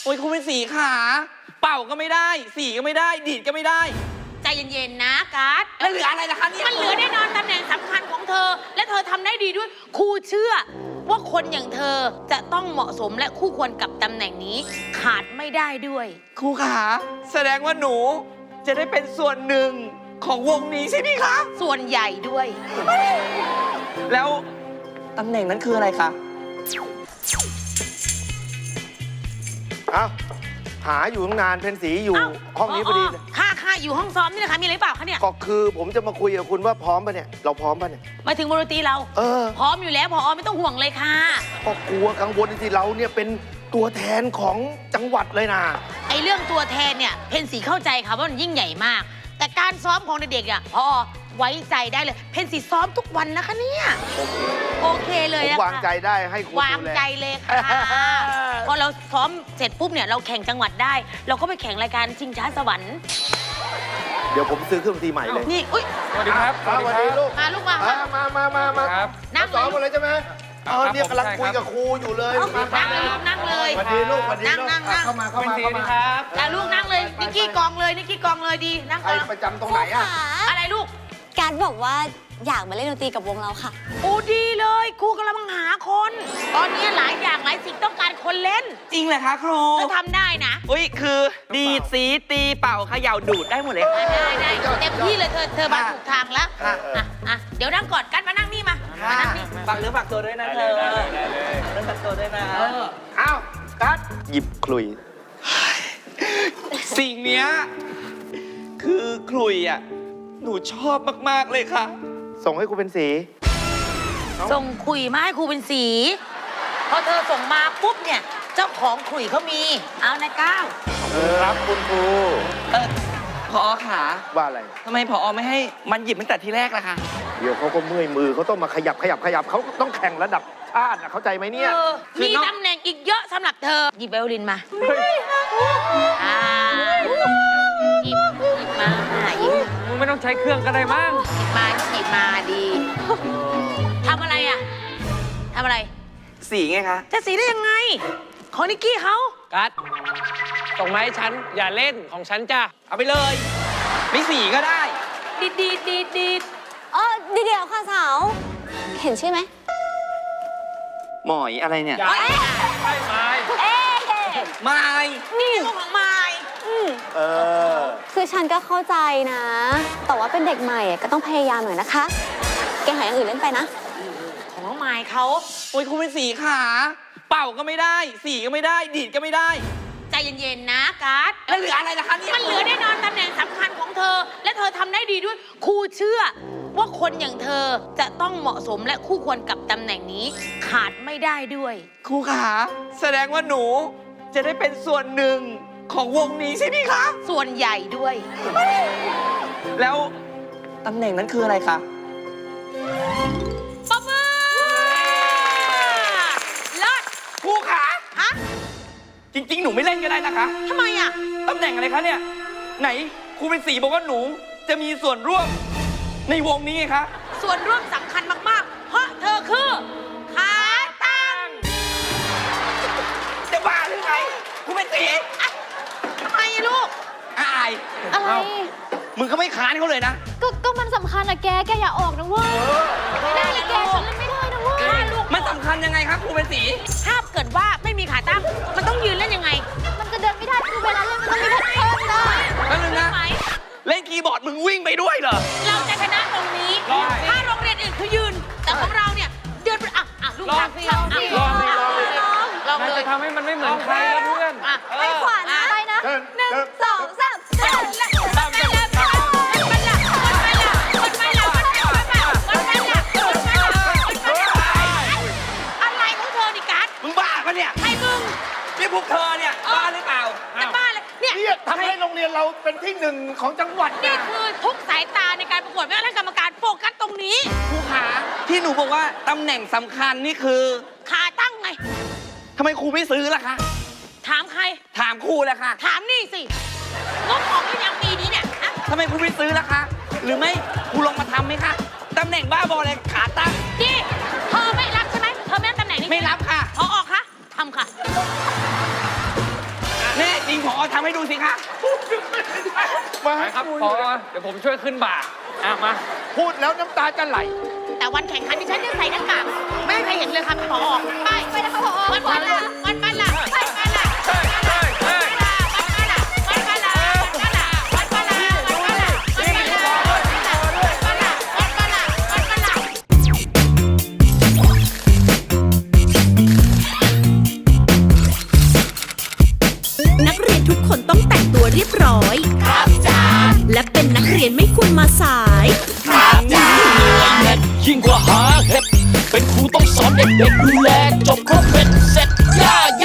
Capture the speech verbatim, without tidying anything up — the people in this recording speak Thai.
โอ้ยครูเป็นสีขาเป่าก็ไม่ได้สีก็ไม่ได้ดีดก็ไม่ได้ใจเย็นๆนะการ์ดแล้วเหลืออะไรล่ะคะเนี่ยมันเหลือแน่นอนตำแหน่งสำคัญของเธอและเธอทำได้ดีด้วยครูเชื่อว่าคนอย่างเธอจะต้องเหมาะสมและคู่ควรกับตำแหน่งนี้ขาดไม่ได้ด้วยครูขาแสดงว่าหนูจะได้เป็นส่วนหนึ่งของวงนี้ใช่ไหมคะส่วนใหญ่ด้วยแล้วตำแหน่งนั้นคืออะไรคะอ้าวหาอยู่ตั้งนานเพนสีอยู่ห้องนี้พอดีค่ะค่ะอยู่ห้องซ้อมนี่นะคะมีอะไรเปล่าคะเนี่ยก็คือผมจะมาคุยกับคุณว่าพร้อมป่ะเนี่ยเราพร้อมป่ะเนี่ยมาถึงบนดนตรีเราเออพร้อมอยู่แล้วผอไม่ต้องห่วงเลยค่ะก็กลัวกังวลที่เราเนี่ยเป็นตัวแทนของจังหวัดเลยนะไอเรื่องตัวแทนเนี่ยเพนสีเข้าใจค่ะว่ามันยิ่งใหญ่มากแต่การซ้อมของเด็กๆอ่ะพอไว้ใจได้เลยเพนสีซ้อมทุกวันนะคะเนี่ยโอเคเลยอะวางใจได้ให้คุณวางใจเลยค่ะพอเราซ้อมเสร็จปุ๊บเนี่ยเราแข่งจังหวัดได้เราก็ไปแข่งรายการชิงช้าสวรรค์เดี๋ยวผมซื้อเครื่องดนตรีใหม่เลยนี่อุ้ยสวัสดีครับสวัสดีลูกมาลูกมามามามามาครับนั่งซ้อมอะไรใช่ไหมเออเนี่ยกำลังคุยกับครูอยู่เลยนั่งเลยนั่งเลยสวัสดีลูกสวัสดีนั่งนั่งนั่งเข้ามาเข้ามาเข้ามาครับแล้วลูกนั่งเลยนิกกี้กองเลยนิกกี้กองเลยดีนั่งก่อนประจำตรงไหนอะอะไรลูกการบอกว่าอยากมาเล่นดนตรีกับวงเราค่ะโอ้ดีเลยครูกำลังหาคนตอนนี้หลายอย่างหลายสิ่งต้องการคนเล่นจริงเหรอคะครูก็ทำได้นะอุ้ยคือดีดสีตีเป่าเขย่าดูดได้หมดเลยได้ได้เต็มที่เลยเธอเธอมาถูกทางแล้วอ่ะอ่ะเดี๋ยวนั่งก่อนกันมานั่งนี่มามานั่งนี่ฝากเนื้อฝากตัวด้วยนะเธอฝากเนื้อฝากตัวด้วยนะอ้าวกัดหยิบคลุยสิ่งเนี้ยคือคลุยอ่ะหนูชอบมากๆเลยค่ะส่งให้ครูเป็นสีส่งคุยมาให้ครูเป็นสีพอเธอส่งมาปุ๊บเนี่ยเจ้าของคุยเขามีเอานายก้าวครับคุณครูเออผอขาว่าอะไรทำไมผอไม่ให้มันหยิบตั้งแต่ทีแรกล่ะคะเดี๋ยวเขาก็เมื่อยมือเขาต้องมาขยับขยับขยับเขาต้องแข่งระดับชาติเข้าใจไหมเนี่ยมีตำแหน่งอีกเยอะสำหรับเธอหยิบไวโอลินมาอ่าหยิบหยิบมาหยิบมึงไม่ต้องใช้เครื่องก็ได้มั้งหยิบมาหยิบมาดีทำอะไรอ่ะทำอะไรสีไงคะจะสีได้ยังไงของนิกกี้เขากัดส่งมาให้ฉันอย่าเล่นของฉันจ้ะเอาไปเลยไม่สีก็ได้ดีดีดีดีเออดีเดียวค่ะสาวเห็นชื่อไหมหมอยอะไรเนี่ยใช่ไม้เอ๊ไม้นี่ของไม้เออคือฉันก็เข้าใจนะแต่ว่าเป็นเด็กใหม่ก็ต้องพยายามหน่อยนะคะแกหาอย่างอื่นเล่นไปนะของน้องไม้เขาโอ้ยครูเป็นสีขาเป่าก็ไม่ได้สีก็ไม่ได้ดีดก็ไม่ได้ใจเย็นๆนะการ์ดแล้วเหลืออะไรล่ะคะเนี่ยมันเหลือแน่นอนตำแหน่งสำคัญของเธอและเธอทำได้ดีด้วยครูเชื่อว่าคนอย่างเธอจะต้องเหมาะสมและคู่ควรกับตำแหน่งนี้ขาดไม่ได้ด้วยครูขาแสดงว่าหนูจะได้เป็นส่วนหนึ่งของวงนี้ใช่ไหมคะส่วนใหญ่ด้วยแล้วตำแหน่งนั้นคืออะไรคะปะมือเลิศครูขาฮะจริงๆหนูไม่เล่นก็ได้นะคะทำไมอ่ะตำแหน่งอะไรคะเนี่ยไหนครูเป็นสีบอกว่าหนูจะมีส่วนร่วมในวงนี้ไงคะส่วนร่วมสำคัญมากๆเพราะเธอคือขาตั้งจะบ้าหรือไงครูเป็นสีทำไมลูกอายอะไรมึงก็ไม่ค้านเขาเลยนะก็ก็มันสำคัญนะแกแกอย่าออกนะเว้ยไม่ได้แกฉันเล่นไม่ได้นะเว้ยมันสำคัญยังไงครับครูเป็นสีถ้าเกิดว่าไม่มีขาตั้งมันต้องยืนเล่นยังไงมันจะเดินไม่ได้คือเวลาเล่นมันต้องมีแพทเทิร์นได้แล้วนึงนะเล่นคีย์บอร์ดมึงวิ่งไปด้วยเหรอเราจะชนะตรงนี้ถ้าโรงเรียนอื่นคือยืนแต่ของเราเนี่ยเดินไปอ่ะอ่ะลูกทางพี่ลองลองลองเลยจะทำให้มันไม่เหมือนใครนะเพื่อนไปขวานะไปนะหนึ่งสองสามเดินพวกเธอเนี่ยบ้าหรือเปล่าจะบ้าเลยเนี่ยทำให้โรงเรียนเราเป็นที่หนึ่งของจังหวัดนี่คือทุกสายตาในการประกวดไม่ว่าท่านกรรมการโฟกัสตรงนี้ครูขาที่หนูบอกว่าตำแหน่งสำคัญนี่คือขาตั้งไงทำไมครูไม่ซื้อล่ะคะถามใครถามครูแหละค่ะถามนี่สิงบออกหรือยังปีนี้เนี่ยทำไมครูไม่ซื้อล่ะคะหรือไม่ครูลองมาทำไหมคะตำแหน่งบ้าบอเลยขาตั้งดิเธอไม่รับใช่ไหมเธอไม่รับตำแหน่งนี้ไม่รับค่ะพอออกค่ะทำค่ะผอทำให้ดูสิคะมาไปครับพอเดี๋ยวผมช่วยขึ้นบ่าอ่ะมาพูดแล้วน้ำตาจะไหลแต่วันแข่งขันที่ฉันจะใส่หน้ากากไม่ให้ใครเห็นเลยครับพอไปไปนะคะพอวันวันละวันวันละวันวันละวันวันละวันวันละวันวันละวันวันละวันวันละวันวันละวันวันละวันวันละวันวันละนักเรียนทุกคนต้องแต่งตัวเรียบร้อย ครับจ้าและเป็นนักเรียนไม่ควรมาสายยิ่งกว่าหาเห็ดเป็นครูต้องสอนเด็กๆดูแลจบครบ